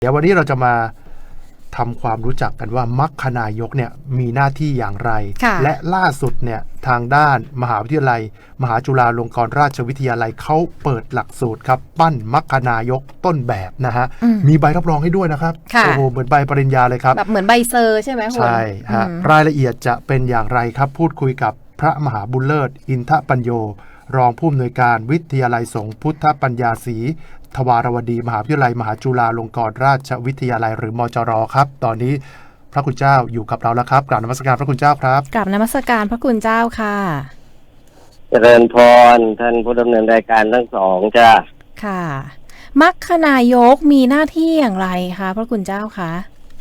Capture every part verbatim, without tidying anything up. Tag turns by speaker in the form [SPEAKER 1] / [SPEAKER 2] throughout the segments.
[SPEAKER 1] เดี๋ยววันนี้เราจะมาทำความรู้จักกันว่ามัคคณายกเนี่ยมีหน้าที่อย่างไรและล่าสุดเนี่ยทางด้านมหาวิทยาลัยมหาจุฬาลงกรณราชวิทยาลัยเขาเปิดหลักสูตรครับปั้นมัคคณายกต้นแบบนะฮะมีใบรับรองให้ด้วยนะครับโอ้โหเหมือนใบปริญญาเลยครับ
[SPEAKER 2] แบบเหมือนใบเซอร์ใช่ไหมคุณ
[SPEAKER 1] ใช่ฮะรายละเอียดจะเป็นอย่างไรครับพูดคุยกับพระมหาบุญเลิศอินทปัญโยรองผู้อำนวยการวิทยาลัยสงฆ์พุทธปัญญาศรีทวารวดีมหาวิทยาลัยมหาจุฬาลงกรณราชวิทยาลัยหรือมจรครับตอนนี้พระคุณเจ้าอยู่กับเราแล้วครับกราบนมัสการพระคุณเจ้าครับ
[SPEAKER 2] กราบนมัสการพระคุณเจ้าค่ะ
[SPEAKER 3] เจริญพรท่านผู้ดำเนินรายการทั้งสองจ้า
[SPEAKER 2] ค่ะมัคคณายกมีหน้าที่อย่างไรคะพระคุณเจ้าคะ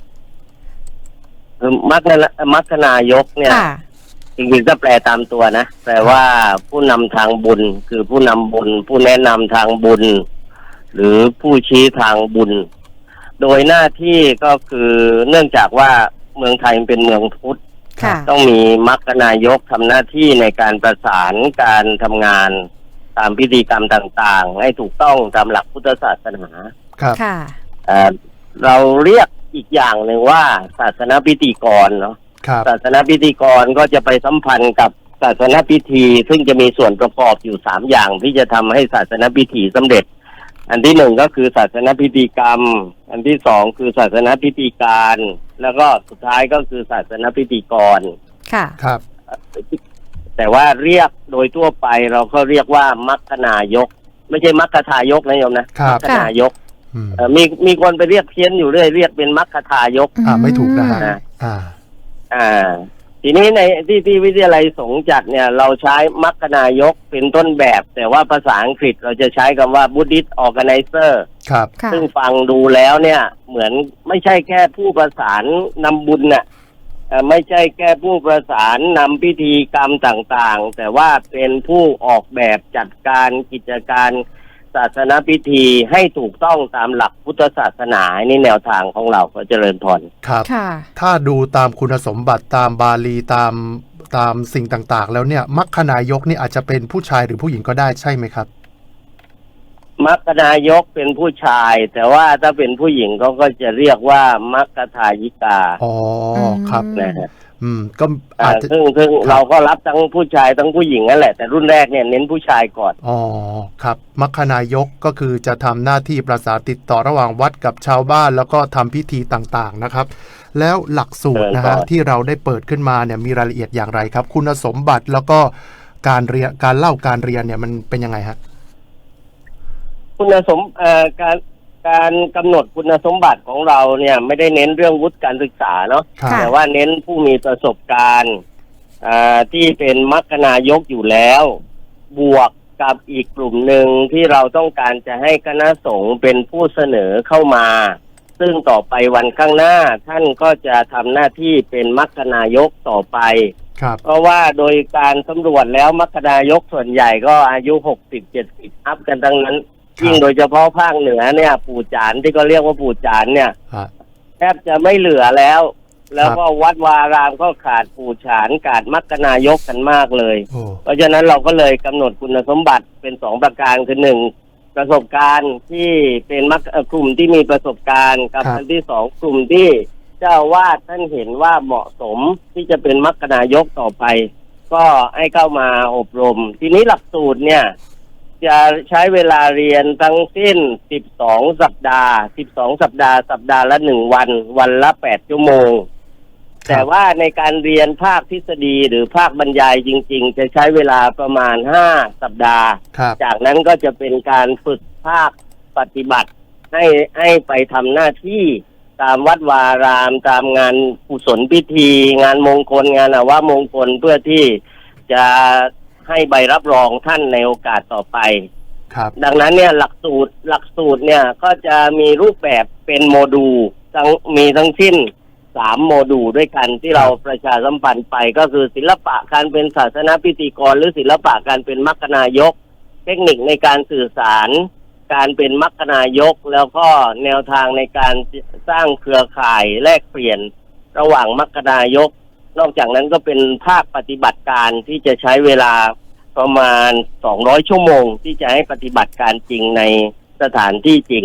[SPEAKER 3] มัคคณมัคคณายกเนี่ยจริงๆก็แปลตามตัวนะแปลว่าผู้นำทางบุญคือผู้นำบุญผู้แนะนำทางบุญหรือผู้ชี้ทางบุญโดยหน้าที่ก็คือเนื่องจากว่าเมืองไทยเป็นเมืองพุทธต้องมีมัคคณายกทำหน้าที่ในการประสานการทำงานตามพิธีกรรมต่างๆให้ถูกต้องตามหลักพุทธศาสนา
[SPEAKER 1] ครับ
[SPEAKER 3] เราเรียกอีกอย่างหนึ่งว่าศาสนพิธีกรเนาะศาสนพิธีกรก็จะไปสัมพันธ์กับศาสนพิธีซึ่งจะมีส่วนประกอบอยู่สามอย่างที่จะทำให้ศาสนพิธีสำเร็จอันที่หนึ่งก็คือศาสนพิธีกรรมอันที่สองคือศาสนพิธีการแล้วก็สุดท้ายก็คือศาสนพิธีกร
[SPEAKER 2] ค่ะ
[SPEAKER 1] ครับ
[SPEAKER 3] แต่ว่าเรียกโดยทั่วไปเราก็เรียกว่ามัคคณายกไม่ใช่มัคคทายกนะโยมนะมัคคณายกมีมีคนไปเรียกเพี้ยนอยู่เรื่อยเรียกเป็นมัคคทายก
[SPEAKER 1] อ่าไม่ถูกนะฮะ
[SPEAKER 3] อ่าอ่าทีนี้ในที่ที่วิทยาลัยสงฆ์จัดเนี่ยเราใช้มัคคณายกเป็นต้นแบบแต่ว่าภาษาอังกฤษเราจะใช้คำว่า Buddhist Organizer
[SPEAKER 1] ครับ
[SPEAKER 3] ซึ่งฟังดูแล้วเนี่ยเหมือนไม่ใช่แค่ผู้ประสานนำบุญน่ะไม่ใช่แค่ผู้ประสานนำพิธีกรรมต่างๆแต่ว่าเป็นผู้ออกแบบจัดการกิจการศาสนพิธีให้ถูกต้องตามหลักพุทธศาสนานี่แนวทางของเราก็เจริญพร
[SPEAKER 1] ครับถ้าดูตามคุณสมบัติตามบาลีตามตามสิ่งต่างๆแล้วเนี่ยมัคคณายกนี่อาจจะเป็นผู้ชายหรือผู้หญิงก็ได้ใช่ไหมครับ
[SPEAKER 3] มัคคณายกเป็นผู้ชายแต่ว่าถ้าเป็นผู้หญิงเขาก็จะเรียกว่ามัคคทายิกา
[SPEAKER 1] อ๋อครับ
[SPEAKER 3] นะฮะ
[SPEAKER 1] อืมก็อาจจะ
[SPEAKER 3] ซึ่งซึ่งเราก็รับทั้งผู้ชายทั้งผู้หญิงนั่นแหละแต่รุ่นแรกเนี่ยเน้นผู้ชายก่อน
[SPEAKER 1] อ๋อครับมัคคณายกก็คือจะทำหน้าที่ประสานติดต่อระหว่างวัดกับชาวบ้านแล้วก็ทำพิธีต่างๆนะครับแล้วหลักสูตรนะฮะที่เราได้เปิดขึ้นมาเนี่ยมีรายละเอียดอย่างไรครับคุณสมบัติแล้วก็การเรียนการเล่าการเรียนเนี่ยมันเป็นยังไงฮะ
[SPEAKER 3] คุณสมเอ่อการการกำหนดคุณสมบัติของเราเนี่ยไม่ได้เน้นเรื่องวุฒิการศึกษาเนาะแต่ว่าเน้นผู้มีประสบการณ์ที่เป็นมัคคณายกอยู่แล้วบวกกับอีกกลุ่มหนึ่งที่เราต้องการจะให้คณะสงฆ์เป็นผู้เสนอเข้ามาซึ่งต่อไปวันข้างหน้าท่านก็จะทำหน้าที่เป็นมัคคณายกต่อไปเพราะว่าโดยการสำรวจแล้วมัคคณายกส่วนใหญ่ก็อายุหกสิบ เจ็ดสิบอัพกันทั้งนั้นยิ่งโดยเฉพาะภาคเหนือเนี่ยปู่จานที่เขาเรียกว่าปู่จานเนี่ยแทบจะไม่เหลือแล้วแล้วก็วัดวารามก็ขาดปู่ฉานขาดมัคคณายกกันมากเลยเพราะฉะนั้นเราก็เลยกำหนดคุณสมบัติเป็นสองประการคือหนึ่งประสบการณ์ที่เป็นมัคกลุ่มที่มีประสบการณ์กับอันที่สองกลุ่มที่เจ้าวาดท่านเห็นว่าเหมาะสมที่จะเป็นมัคคณายกต่อไปก็ให้เข้ามาอบรมทีนี้หลักสูตรเนี่ยจะใช้เวลาเรียนทั้งสิ้นสิบสองสัปดาห์สิบสองสัปดาห์สัปดาห์ละหนึ่งวันวันละแปดชั่วโมงแต่ว่าในการเรียนภาคทฤษฎีหรือภาคบรรยายจริงๆจะใช้เวลาประมาณห้าสัปดาห์จากนั้นก็จะเป็นการฝึกภาคปฏิบัติให้ให้ไปทำหน้าที่ตามวัดวารามตามงานกุศลพิธีงานมงคลงานอวมงคลเพื่อที่จะให้ใบรับรองท่านในโอกาสต่อไป
[SPEAKER 1] ครับ
[SPEAKER 3] ดังนั้นเนี่ยหลักสูตรหลักสูตรเนี่ยก็จะมีรูปแบบเป็นโมดูลทั้งมีทั้งสิ้นสามโมดูลด้วยกันที่เราประชาสัมพันธ์ไปก็คือศิลปะการเป็นศาสนพิธีกรหรือศิลปะการเป็นมัคคณายกเทคนิคในการสื่อสารการเป็นมัคคณายกแล้วก็แนวทางในการสร้างเครือข่ายแลกเปลี่ยนระหว่างมัคคณายกนอกจากนั้นก็เป็นภาคปฏิบัติการที่จะใช้เวลาประมาณสองร้อยชั่วโมงที่จะให้ปฏิบัติการจริงในสถานที่จริง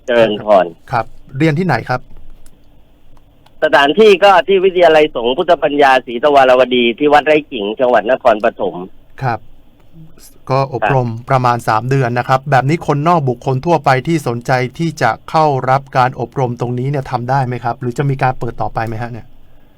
[SPEAKER 3] เจริญพร
[SPEAKER 1] ครับเรียนที่ไหนครับ
[SPEAKER 3] สถานที่ก็ที่วิทยาลัยสงฆ์พุทธปัญญาศรีทวารวดีที่วัดไร่กิ่งจังหวัดนครปฐม
[SPEAKER 1] ครับก็อบรมประมาณสามเดือนนะครับแบบนี้คนนอกบุคคลทั่วไปที่สนใจที่จะเข้ารับการอบรมตรงนี้เนี่ยทำได้ไหมครับหรือจะมีการเปิดต่อไปไหมฮะเนี่ย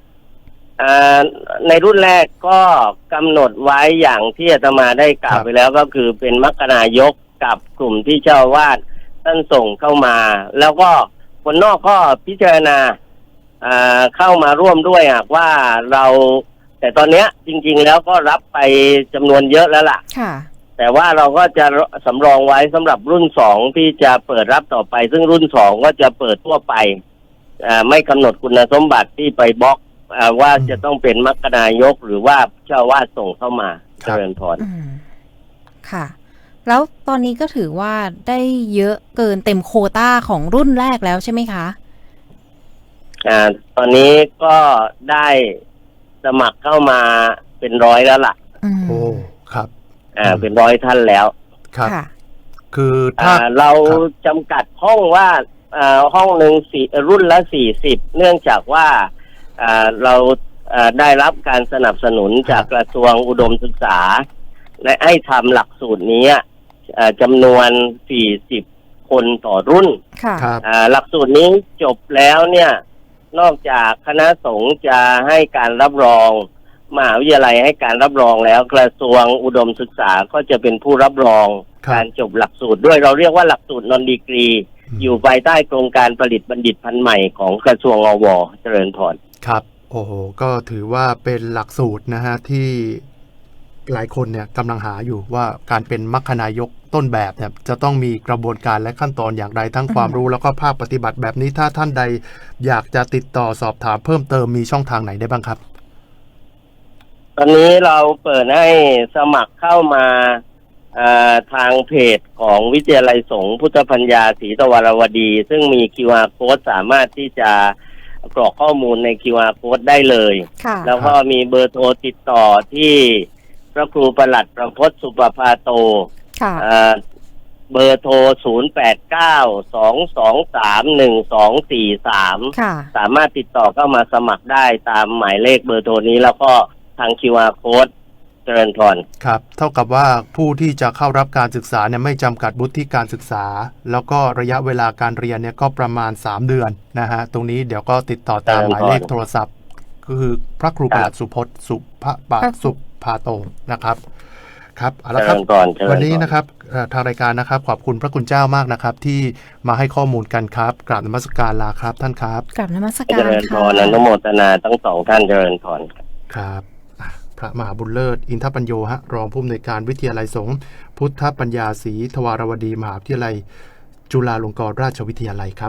[SPEAKER 3] ในรุ่นแรกก็กำหนดไว้อย่างที่อาตมาได้กล่าวไปแล้วก็คือเป็นมรรคนายกกับกลุ่มที่เจ้าวาดท่านส่งเข้ามาแล้วก็คนนอกก็พิจารณาเข้ามาร่วมด้วยหากว่าเราแต่ตอนเนี้ยจริงๆแล้วก็รับไปจำนวนเยอะแล้วล่ะแต่ว่าเราก็จะสำรองไว้สำหรับรุ่นสองที่จะเปิดรับต่อไปซึ่งรุ่นสองก็จะเปิดทั่วไปไม่กำหนดคุณสมบัติที่ไปบล็อกว่าจะต้องเป็นมรรคนายกหรือว่าเจ้าวาดส่งเข้ามาเจริญพร
[SPEAKER 2] ค่ะแล้วตอนนี้ก็ถือว่าได้เยอะเกินเต็มโควต้าของรุ่นแรกแล้วใช่ไหมคะ
[SPEAKER 3] อ่าตอนนี้ก็ได้สมัครเข้ามาเป็นร้อยแล้วล่ะ
[SPEAKER 1] โอ้ครับ
[SPEAKER 3] อ่าเป็นร้อยท่านแล้ว
[SPEAKER 1] ครับคือถ้า
[SPEAKER 3] เราจำกัดห้องว่าอ่าห้องหนึ่งสี่รุ่นละสี่สิบเนื่องจากว่าอ่าเราอ่าได้รับการสนับสนุนจากกระทรวงอุดมศึกษาและให้ทำหลักสูตรนี้อ่าจำนวนสี่สิบคนต่อรุ่นอ่าหลักสูตรนี้จบแล้วเนี่ยนอกจากคณะสงฆ์จะให้การรับรองมหาวิทยาลัยให้การรับรองแล้วกระทรวงอุดมศึกษาก็จะเป็นผู้รับรองการจบหลักสูตรด้วยเราเรียกว่าหลักสูตรนอนดีกรีอยู่ภายใต้โครงการผลิตบัณฑิตพันธุ์ใหม่ของกระทรวงอว.เจริญพร
[SPEAKER 1] ครับโอ้โหก็ถือว่าเป็นหลักสูตรนะฮะที่หลายคนเนี่ยกำลังหาอยู่ว่าการเป็นมรรคนายกต้นแบบเนี่ยจะต้องมีกระบวนการและขั้นตอนอย่างไรทั้งความรู้แล้วก็ภาคปฏิบัติแบบนี้ถ้าท่านใดอยากจะติดต่อสอบถามเพิ่มเติมมีช่องทางไหนได้บ้างครับ
[SPEAKER 3] ตอนนี้เราเปิดให้สมัครเข้ามาทางเพจของวิทยาลัยสงฆ์พุทธปัญญาศรีทวารวดีซึ่งมี คิว อาร์ Code สามารถที่จะกรอกข้อมูลใน คิว อาร์ Code ได้เลยแล้วก็มีเบอร์โทรติดต่อที่พระครูประหลัดประพจน์สุปภาโตเบอร์โทรศูนย์ แปด เก้า สอง สอง สาม หนึ่ง สอง สี่ สามสามารถติดต่อเข้ามาสมัครได้ตามหมายเลขเบอร์โทรนี้แล้วก็ทาง คิว อาร์ Code เจริญพร
[SPEAKER 1] ครับเท่ากับว่าผู้ที่จะเข้ารับการศึกษาเนี่ยไม่จำกัดวุฒิการศึกษาแล้วก็ระยะเวลาการเรียนเนี่ยก็ประมาณสามเดือนนะฮะตรงนี้เดี๋ยวก็ติดต่อตามหมายเลขโทรศัพท์ก็คือพระครูประหลัดสุพจน์สุภปะสุภาโตนะครับครับเอาละครับวันนี้นะครับทางรายการนะครับขอบคุณพระคุณเจ้ามากนะครับที่มาให้ข้อมูลกันครับกราบนมัสการลาครับท่านครับ
[SPEAKER 2] กราบนมัสการ
[SPEAKER 3] เจริญพรอนุโมทนาทั้งสองท่านเจริญพร
[SPEAKER 1] ครับพระมหาบุญเลิศอินทปัญโยฮะรองผู้อำนวยการวิทยาลัยสงฆ์พุทธปัญญาศรีทวารวดีมหาวิทยาลัยจุฬาลงกรณราชวิทยาลัยครับ